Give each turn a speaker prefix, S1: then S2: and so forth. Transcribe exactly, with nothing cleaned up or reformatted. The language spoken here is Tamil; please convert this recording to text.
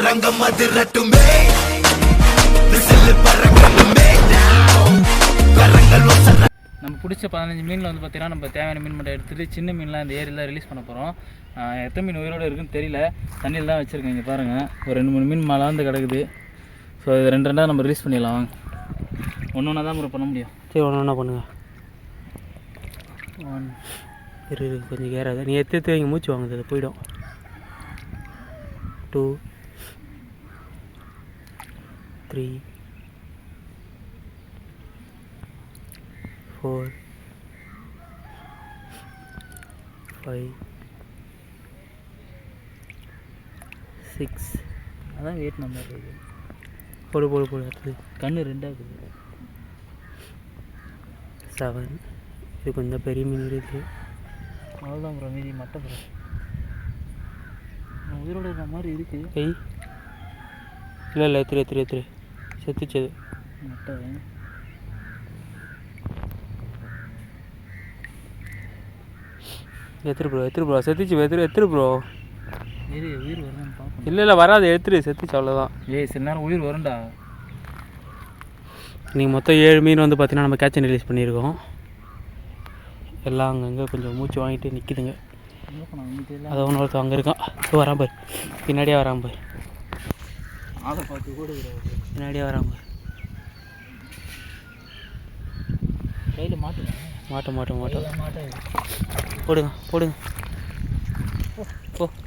S1: அரங்கம் அதிரட்டுமே விசில் பறக்கணுமே கரங்கள் வசன.
S2: நம்ம பிடிச்ச பதினஞ்சு மீனில் வந்து பார்த்தீங்கன்னா நம்ம தேவையான மீன் மட்டும் எடுத்துகிட்டு சின்ன மீன்லாம் இந்த ஏரியில் ரிலீஸ் பண்ண போகிறோம். எத்தனை மீன் உயிரோடு இருக்குன்னு தெரியல, தண்ணியில் தான் வச்சுருக்கேன். இங்கே பாருங்கள், ஒரு ரெண்டு மூணு மீன் மலாந்து கிடக்குது. ஸோ இது ரெண்டு ரெண்டாக நம்ம ரிலீஸ் பண்ணிடலாம். ஒன்று ஒன்றா தான் பண்ண முடியும்.
S3: சரி, ஒன்று ஒன்றா பண்ணுங்கள். ஒன் இரு கொஞ்சம் ஏறாது, நீ எடுத்து எடுத்து வைங்க, மூச்சு வாங்குது, அது போயிடும். Two three four five six.
S2: அதான் வெயிட் நம்பர் இருக்குது.
S3: போடு போடு போடு அடுத்தது.
S2: கண்ணு ரெண்டாக இருக்குது.
S3: செவன். இது கொஞ்சம் பெரிய மீன் இருக்குது.
S2: அவ்வளோதான் ப்ரோ, மீதி மட்டை ப்ரோ. உயிரோடு இருக்கிற மாதிரி இருக்குது.
S3: கை இல்லை இல்லை எத்திரி எத்திரி எத்திரி செத்துச்சது
S2: மட்டை.
S3: எத்திரி ப்ரோ எத்திரி ப்ரோ செத்துச்சு எத்திரி எத்திரி ப்ரோ.
S2: உயிர் உயிர் வருதான்னு பார்ப்போம்.
S3: இல்லை இல்லை வராது, எடுத்துரு, செத்துச்சு அவ்வளோதான்.
S2: ஏய் சில நேரம் உயிர் வரும்டா.
S3: நீங்கள் மொத்தம் ஏழு மீன் வந்து பார்த்தீங்கன்னா நம்ம கேட்ச் அண்ட் ரிலீஸ் பண்ணியிருக்கோம். எல்லாம் அங்கங்கே கொஞ்சம் மூச்சு வாங்கிட்டு நிற்கிதுங்க. அதை ஒன்று ஒருத்தர் அங்கே இருக்கான், வரான் பாரு, பின்னாடியே வரான் பாரு,
S2: ஆளை பார்த்து கூட
S3: பின்னாடியே வரான் பாரு.
S2: கையில் மாட்டுங்க.
S3: மாட்ட மாட்டோம் மாட்டோம்
S2: மாட்டேன்.
S3: போடுங்க போடுங்க போ.